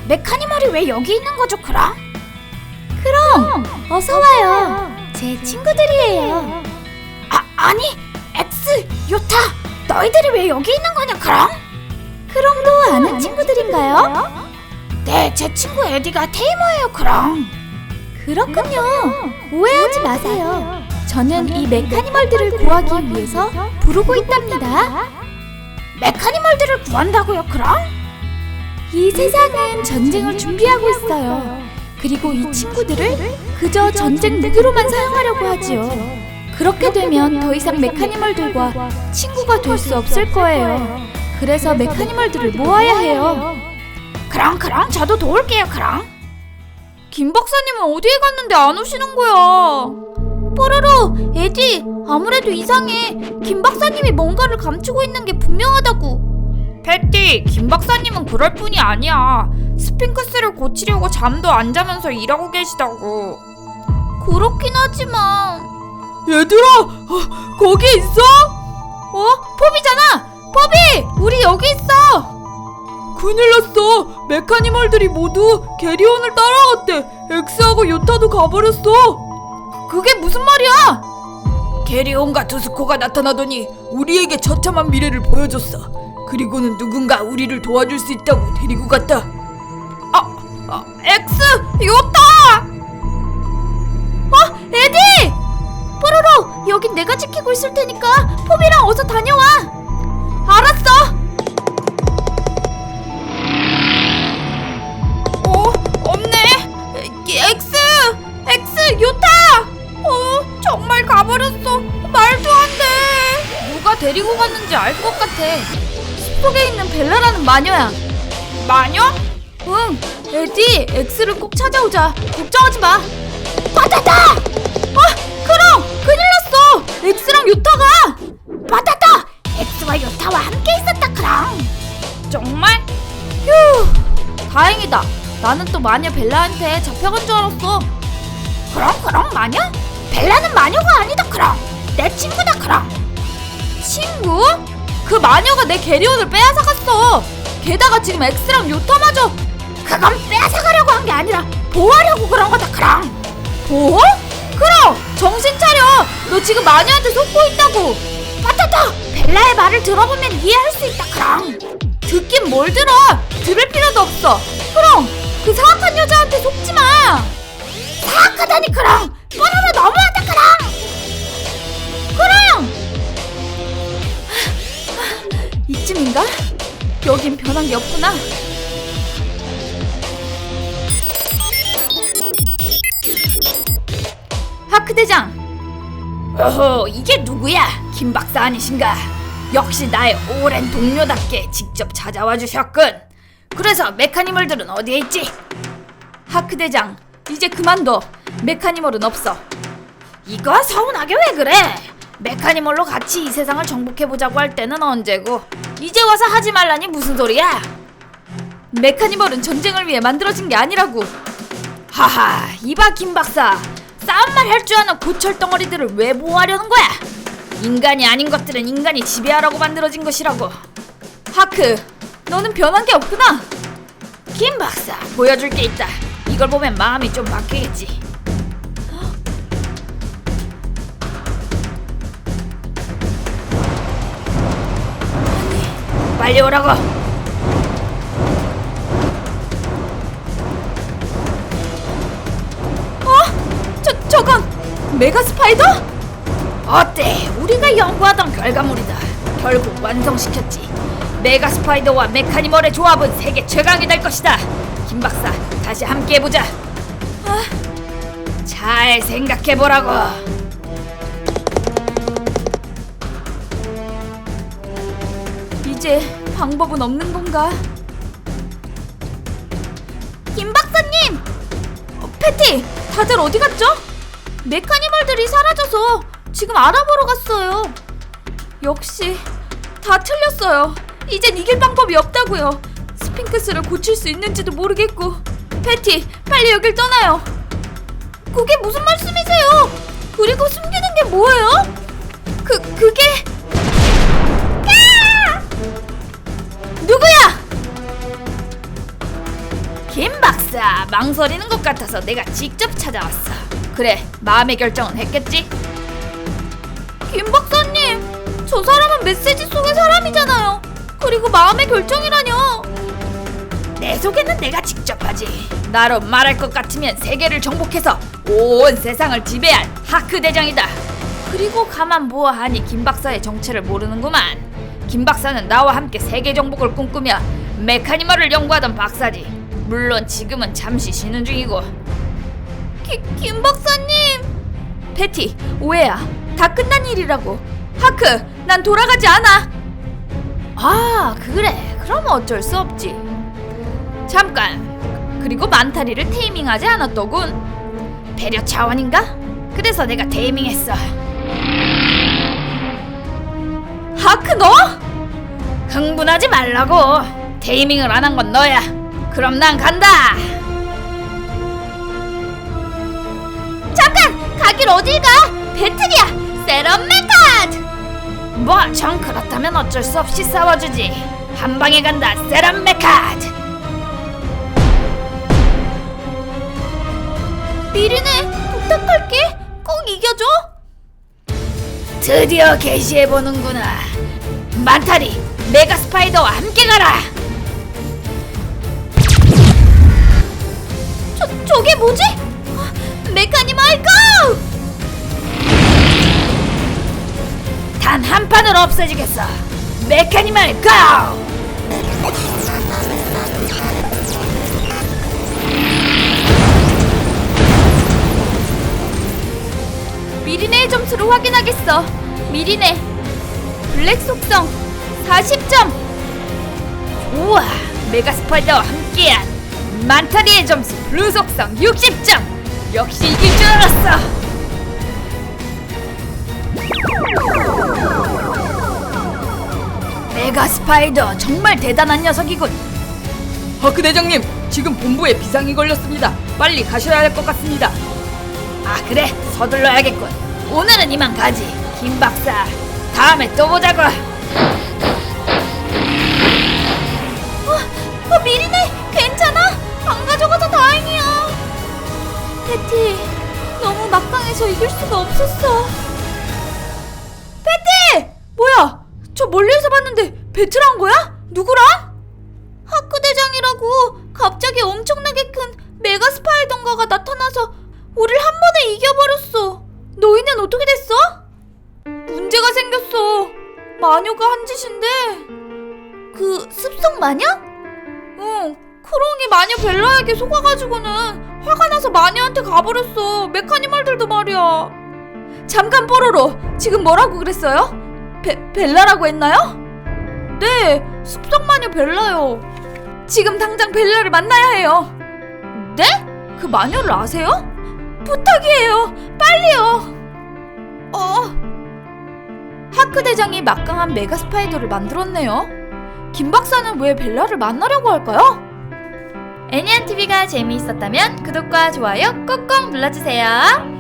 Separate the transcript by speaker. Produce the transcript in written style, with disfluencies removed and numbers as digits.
Speaker 1: 메카니멀이 왜 여기 있는 거죠, 그럼? 그럼 어서 와요. 제 친구들이에요. 아니, 엑스, 요타, 너희들이 왜 여기 있는 거냐, 그럼? 크롱도 아는 친구들인가요? 네, 제 친구 에디가 테이머예요, 그럼. 그렇군요. 오해하지 마세요. 저는 이 메카니멀들을 구하기 위해서 부르고 있답니다. 메카니멀들을 구한다고요, 그럼? 이 세상은 전쟁을 준비하고 있어요. 그리고 이 친구들을 그저 전쟁 무기로만 사용하려고 하지요. 그렇게 되면 더 이상 메카니멀들과 친구가 될 수 없을 거예요. 그래서 메카니멀들을 모아야 해요. 그럼 저도 도울게요, 그럼. 김 박사님은 어디에 갔는데 안 오시는 거야? 뽀로로, 에디, 아무래도 이상해. 김 박사님이 뭔가를 감추고 있는 게 분명하다고. 패티, 김 박사님은 그럴 뿐이 아니야. 스핑크스를 고치려고 잠도 안 자면서 일하고 계시다고. 그렇긴 하지만. 얘들아, 거기 있어? 포비잖아. 포비, 우리 여기 있어. 큰일 났어. 메카니멀들이 모두 게리온을 따라갔대. 엑스하고 요타도 가버렸어. 그게 무슨 말이야? 게리온과 두스코가 나타나더니 우리에게 처참한 미래를 보여줬어. 그리고는 누군가 우리를 도와줄 수 있다고 데리고 갔다. 엑스! 요타! 에디! 뽀로로, 여긴 내가 지키고 있을 테니까 포비랑 어서 다녀와. 알았어. 없네. 엑스, 요타! 정말 가버렸어. 말도 안 돼. 누가 데리고 갔는지 알 것 같아. 숲속에 있는 벨라라는 마녀야. 마녀? 응. 에디, 엑스를 꼭 찾아오자. 걱정하지 마. 바다다! 그럼! 큰일 났어! 엑스랑 요타가! 바다다! 엑스와 요타와 함께 있었다, 그럼. 정말? 휴, 다행이다. 나는 또 마녀 벨라한테 잡혀간 줄 알았어. 그럼 마녀? 벨라는 마녀가 아니다, 그럼. 내 친구다, 그럼. 친구? 그 마녀가 내 게리온을 빼앗아갔어. 게다가 지금 엑스랑 요타마저. 그건 빼앗아가려고 한 게 아니라 보호하려고 그런 거다, 그럼. 보호? 그럼! 정신 차려! 너 지금 마녀한테 속고 있다고. 바타다! 벨라의 말을 들어보면 이해할 수 있다, 그럼. 듣긴 뭘 들어! 들을 필요도 없어. 그럼! 그 사악한 여자한테 속지 마! 사악하다니, 그럼! 뽀로로 너무하다, 그럼! 이쯤인가? 여긴 변한 게 없구나. 하크 대장! 어허, 이게 누구야? 김 박사 아니신가? 역시 나의 오랜 동료답게 직접 찾아와 주셨군. 그래서 메카니멀들은 어디에 있지? 하크 대장, 이제 그만둬. 메카니멀은 없어. 이거 서운하게 왜 그래? 메카니멀로 같이 이 세상을 정복해보자고 할 때는 언제고, 이제 와서 하지 말라니 무슨 소리야? 메카니멀은 전쟁을 위해 만들어진 게 아니라고. 하하, 이봐 김 박사. 싸움만 할 줄 아는 고철 덩어리들을 왜 보호하려는 거야? 인간이 아닌 것들은 인간이 지배하라고 만들어진 것이라고. 하크, 너는 변한 게 없구나. 김 박사, 보여줄 게 있다. 이걸 보면 마음이 좀 바뀌겠지. 빨리 오라고. 저건 메가 스파이더? 어때? 우리가 연구하던 결과물이다. 결국 완성시켰지. 메가 스파이더와 메카니멀의 조합은 세계 최강이 될 것이다. 김 박사, 다시 함께 해보자. 잘 생각해보라고. 이제 방법은 없는 건가? 김 박사님! 패티! 다들 어디 갔죠? 메카니멀들이 사라져서 지금 알아보러 갔어요. 역시 다 틀렸어요. 이젠 이길 방법이 없다고요. 스핑크스를 고칠 수 있는지도 모르겠고. 패티, 빨리 여길 떠나요. 그게 무슨 말씀이세요? 그리고 숨기는 게 뭐예요? 그게... 누구야? 김
Speaker 2: 망설이는 것 같아서 내가 직접 찾아왔어. 그래, 마음의 결정은 했겠지?
Speaker 1: 김 박사님, 저 사람은 메시지 속의 사람이잖아요. 그리고 마음의 결정이라뇨.
Speaker 2: 내 소개는 내가 직접 하지. 나로 말할 것 같으면 세계를 정복해서 온 세상을 지배할 하크 대장이다. 그리고 가만 보아하니 김 박사의 정체를 모르는구만. 김 박사는 나와 함께 세계 정복을 꿈꾸며 메카니멀을 연구하던 박사지. 물론 지금은 잠시 쉬는 중이고.
Speaker 1: 김 박사님.
Speaker 2: 패티, 오해야. 다 끝난 일이라고. 하크, 난 돌아가지 않아. 아, 그래. 그럼 어쩔 수 없지. 잠깐. 그리고 만타리를 테이밍하지 않았더군. 배려 차원인가? 그래서 내가 테이밍했어. 하크, 너? 흥분하지 말라고. 테이밍을 안 한 건 너야. 그럼 난 간다.
Speaker 1: 잠깐! 가길 어딜 가? 배틀이야! 세럼 메카드!
Speaker 2: 뭐 정 그렇다면 어쩔 수 없이 싸워주지. 한 방에 간다, 세럼 메카드.
Speaker 1: 미리네, 부탁할게. 꼭 이겨줘.
Speaker 2: 드디어 개시해보는구나. 만타리, 메가 스파이더와 함께 가라.
Speaker 1: 저게 뭐지? 메카니멀 고!
Speaker 2: 단 한 판으로 없애주겠어. 메카니멀 고!
Speaker 1: 미리네의 점수를 확인하겠어. 미리네 블랙 속성 40점.
Speaker 2: 좋아, 메가 스파이더와 함께한 만타리의 점수 블루 속성 60점. 역시 이길 줄 알았어. 메가 스파이더 정말 대단한 녀석이군.
Speaker 3: 하크 대장님, 지금 본부에 비상이 걸렸습니다. 빨리 가셔야 할 것 같습니다.
Speaker 2: 아, 그래, 서둘러야겠군. 오늘은 이만 가지. 김 박사, 다음에 또 보자고.
Speaker 1: 미리네, 괜찮아? 안 가져가서 다행이야. 패티, 너무 막강해서 이길 수가 없었어.
Speaker 2: 패티! 뭐야? 저 멀리서 봤는데 배틀한 거야? 누구랑?
Speaker 1: 하크 대장이라고 갑자기 엄청나게 큰 메가 스파이던가가 나타나서 우릴 한 번에 이겨버렸어. 너희는 어떻게 됐어?
Speaker 2: 문제가 생겼어. 마녀가 한 짓인데.
Speaker 1: 그 습성 마녀?
Speaker 2: 응, 크롱이 마녀 벨라에게 속아가지고는 화가 나서 마녀한테 가버렸어. 메카니멀들도 말이야. 잠깐, 뽀로로, 지금 뭐라고 그랬어요? 벨라라고 했나요? 네, 습성마녀 벨라요. 지금 당장 벨라를 만나야 해요. 네? 그 마녀를 아세요? 부탁이에요, 빨리요. 하크 대장이 막강한 메가 스파이더를 만들었네요. 김 박사는 왜 벨라를 만나려고 할까요? 애니안TV가 재미있었다면 구독과 좋아요 꼭꼭 눌러주세요.